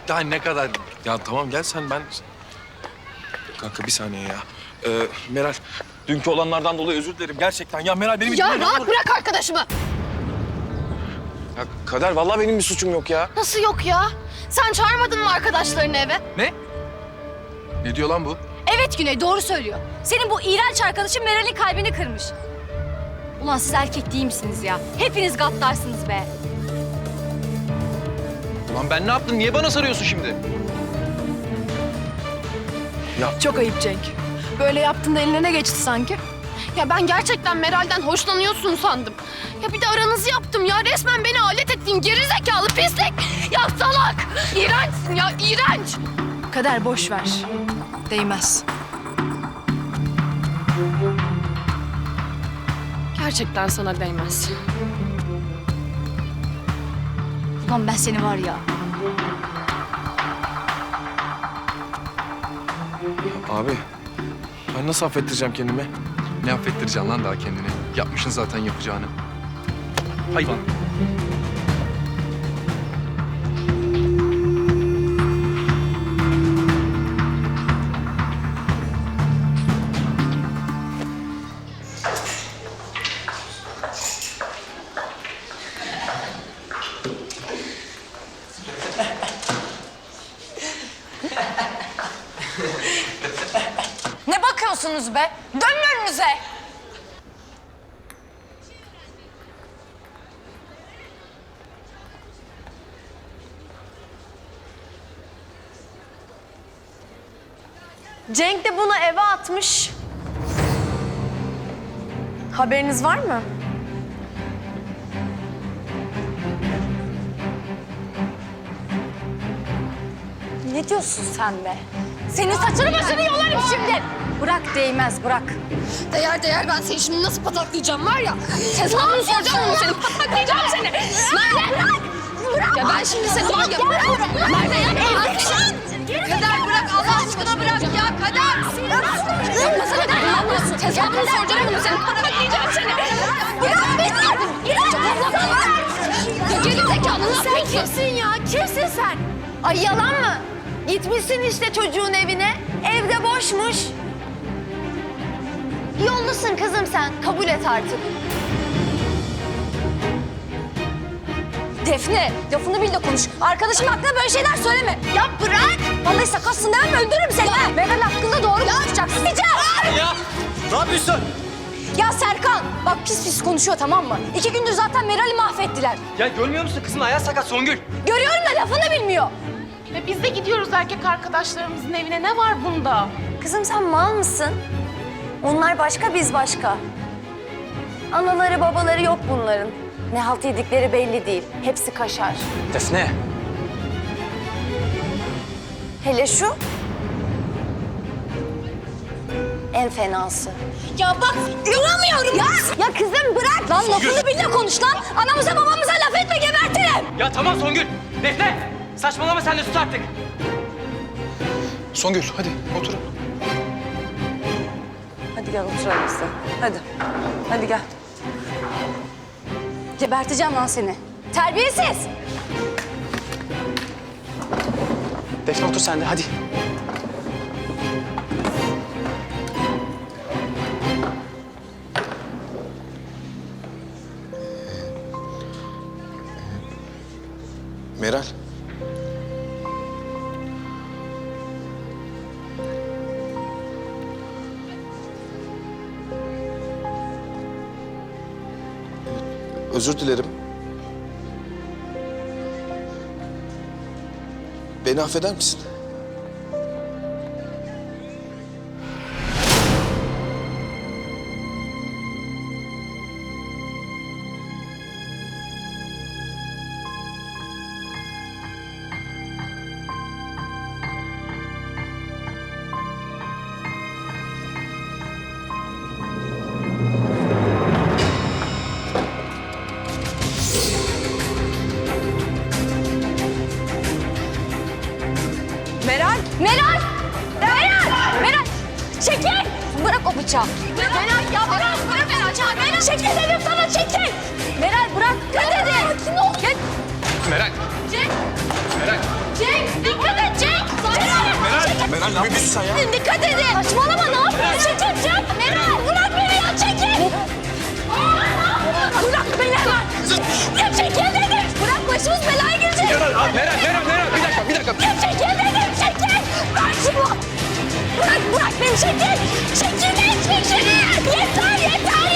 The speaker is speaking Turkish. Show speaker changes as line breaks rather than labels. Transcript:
Daha ne kadar? Ya tamam gel sen ben... Kanka bir saniye ya. Meral, dünkü olanlardan dolayı özür dilerim gerçekten. Ya Meral benim...
Ya rahat bırak arkadaşımı.
Ya Kader vallahi benim bir suçum yok ya.
Nasıl yok ya? Sen çağırmadın mı arkadaşlarını eve?
Ne? Ne diyor lan bu?
Evet Güney, doğru söylüyor. Senin bu iğrenç arkadaşın Meral'in kalbini kırmış. Ulan siz erkek değil misiniz ya? Hepiniz gaddarsınız be.
Ulan ben ne yaptım? Niye bana sarıyorsun şimdi?
Çok ayıp Cenk. Böyle yaptığında eline ne geçti sanki? Ya ben gerçekten Meral'den hoşlanıyorsun sandım. Ya bir de aranızı yaptım ya. Resmen beni alet ettin gerizekalı pislik. Ya salak. İğrençsin ya iğrenç. Kader boş ver. Değmez. Gerçekten sana değmez.
Ulan ben seni var ya.
Abi, ben nasıl affettireceğim kendimi?
Ne affettireceksin lan daha kendini? Yapmışsın zaten yapacağını. Hayvan.
Ne bakıyorsunuz be? Dönün önünüze.
Cenk de bunu eve atmış. Haberiniz var mı?
Ne diyorsun sen be? Senin saçını başını yolarım şimdi.
Bırak değmez, bırak.
Değer ben seni şimdi nasıl pataklayacağım var ya. Hesabını soracağım onu senin. Pataklayacağım seni. Merve. Bırak. Ya ben şimdi seni var ya. Merve ya. Kader bırak Allah aşkına bırak ya. Kader. Yapmasana Kader. Ne yapıyorsun? Hesabını soracağım onu senin. Pataklayacağım seni. Bırak beni. Ya gerizekalı ne yapıyorsun?
Sen kimsin ya? Kimsin sen? Ay yalan mı? Gitmişsin işte çocuğun evine. Evde boşmuş. Yollusun kızım sen. Kabul et artık.
Defne, lafını bil de konuş. Arkadaşım hakkında böyle şeyler söyleme.
Ya bırak.
Vallahi sakatsın demem öldürürüm seni. Ha. Meral hakkında doğru konuşacaksın.
Ya ne yapıyorsun?
Ya Serkan, bak pis pis konuşuyor tamam mı? 2 gündür zaten Meral'i mahvettiler.
Ya görmüyor musun kızın ayağı sakat Songül?
Görüyorum da lafını bilmiyor.
Ve biz de gidiyoruz erkek arkadaşlarımızın evine. Ne var bunda?
Kızım sen mal mısın? Onlar başka, biz başka. Anaları babaları yok bunların. Ne halt yedikleri belli değil. Hepsi kaşar.
Defne.
Hele şu. En fenası.
Ya bak, inanamıyorum. Ya kızım bırak. Lan lafını bil de konuş lan. Anamıza babamıza laf etme gebertirim.
Ya tamam Songül. Defne. Saçmalama sen de sus artık.
Songül hadi oturun.
Hadi gel oturalım biz de. Hadi. Hadi gel. Geberteceğim lan seni. Terbiyesiz.
Defne otur sen de hadi.
Meral. Özür dilerim. Beni affeder misin?
Meral! Meral! Meral! Meral! Çekil! Bırak o bıçağı.
Meral ya bırak Meral.
Meral çekil dedim sana çekil! Meral bırak! Ne dedi? Sakin ol! Gel.
Meral.
Cenk.
Meral.
Cenk dikkat
yapıyorsun sen ya?
Dikkat edin. Saçmalama ne yapıyorsun? Çekil. Meral bırak beni ya çekil. Bırak beni hemen. Ya çekil dedim. Bırak başımız belaya girecek.
Meral bir dakika.
Ya çekil dedim çekil. Bırak şunu. Bırak beni çekil. Çekil. Yeter.